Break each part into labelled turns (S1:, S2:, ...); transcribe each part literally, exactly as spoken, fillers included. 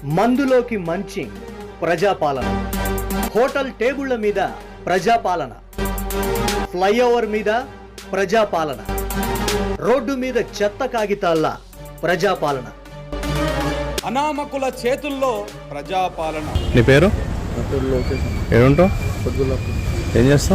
S1: మందులోకి మంచి ప్రజాపాలన, హోటల్ టేబుళ్ల మీద ప్రజాపాలన, ఫ్లైఓవర్ మీద ప్రజాపాలన, రోడ్డు మీద చెత్త కాగితాల ప్రజాపాలన,
S2: అనామకుల చేతుల్లో ప్రజాపాలన.
S3: నీ పేరు? ఏడుంటావు? ఏం చేస్తావు?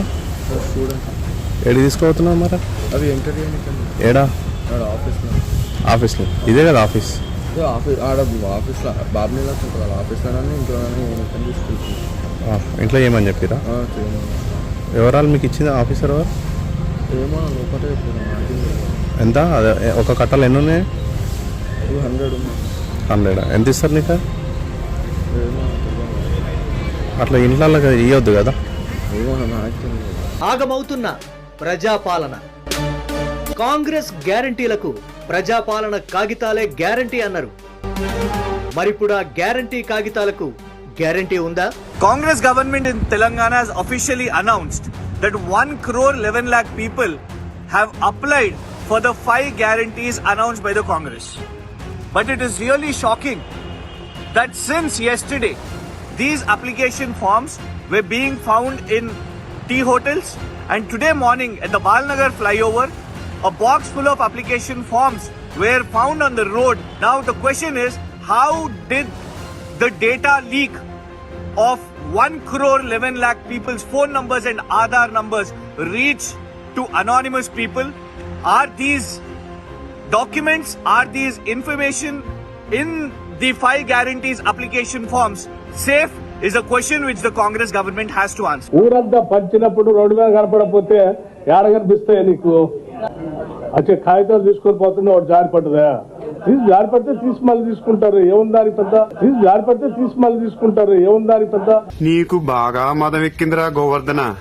S3: ఏడు తీసుకుపోతున్నావు మరి?
S4: అవి ఎంటర్
S3: ఏడా?
S4: ఆఫీస్లో.
S3: ఆఫీస్లో? ఇదే కదా ఆఫీస్?
S4: ఆఫీస్ ఆడ ఆఫీస్లో బాబునీలా ఉంటుంది కదా, ఆఫీస్లోనే ఇంట్లోనే తీసుకుంటున్నాను.
S3: ఇంట్లో ఏమని చెప్పిరా? వివరాలు మీకు ఇచ్చింది ఆఫీసర్ ఎవరు?
S4: ఏమో ఒకటే
S3: ఎంత? అదే ఒక కట్టలు ఎన్ని ఉన్నాయి?
S4: టూ హండ్రెడ్ ఉన్నాయి.
S3: హండ్రెడ్ ఎంత ఇస్తారు నీకు?
S4: ఏమో
S3: అట్లా ఇంట్లో ఇవ్వద్దు కదా.
S4: ఏమో నాకు
S1: ఆగమవుతున్న ప్రజాపాలన. కాంగ్రెస్ గ్యారంటీలకు ప్రజాపాలన కాగితాలే గ్యారంటీ అన్నారు. మరిప్పుడు ఆ గ్యారంటీ కాగితాలకు గ్యారంటీ ఉందా?
S5: Congress government in Telangana has officially announced that one crore eleven lakh people have applied for the five guarantees announced by the Congress. But it is really shocking that since yesterday, these application forms were being found in tea hotels, and today morning at the Balnagar flyover, a box full of application forms were found on the road. Now the question is, how did the data leak of one crore eleven lakh people's phone numbers and Aadhaar numbers reach to anonymous people? Are these documents, are these information in the five guarantees application forms safe? Is a question which the Congress government has to answer.
S6: ఊరంతా పంచినప్పుడు road మీద కనపడకపోతే ఏడ కనిపిస్తాయి నీకు? వచ్చే కాగితాలు తీసుకొని పోతుండే వాడు జారి పడ్డదా? తీసి జారి పడితే తీసి మళ్ళీ తీసుకుంటారు, ఏముందాని పెద్ద? తీసి జారి పడితే తీసి మళ్ళీ తీసుకుంటారు, ఏముందాని పెద్ద?
S7: నీకు బాగా మదం ఎక్కిందిరా గోవర్ధన.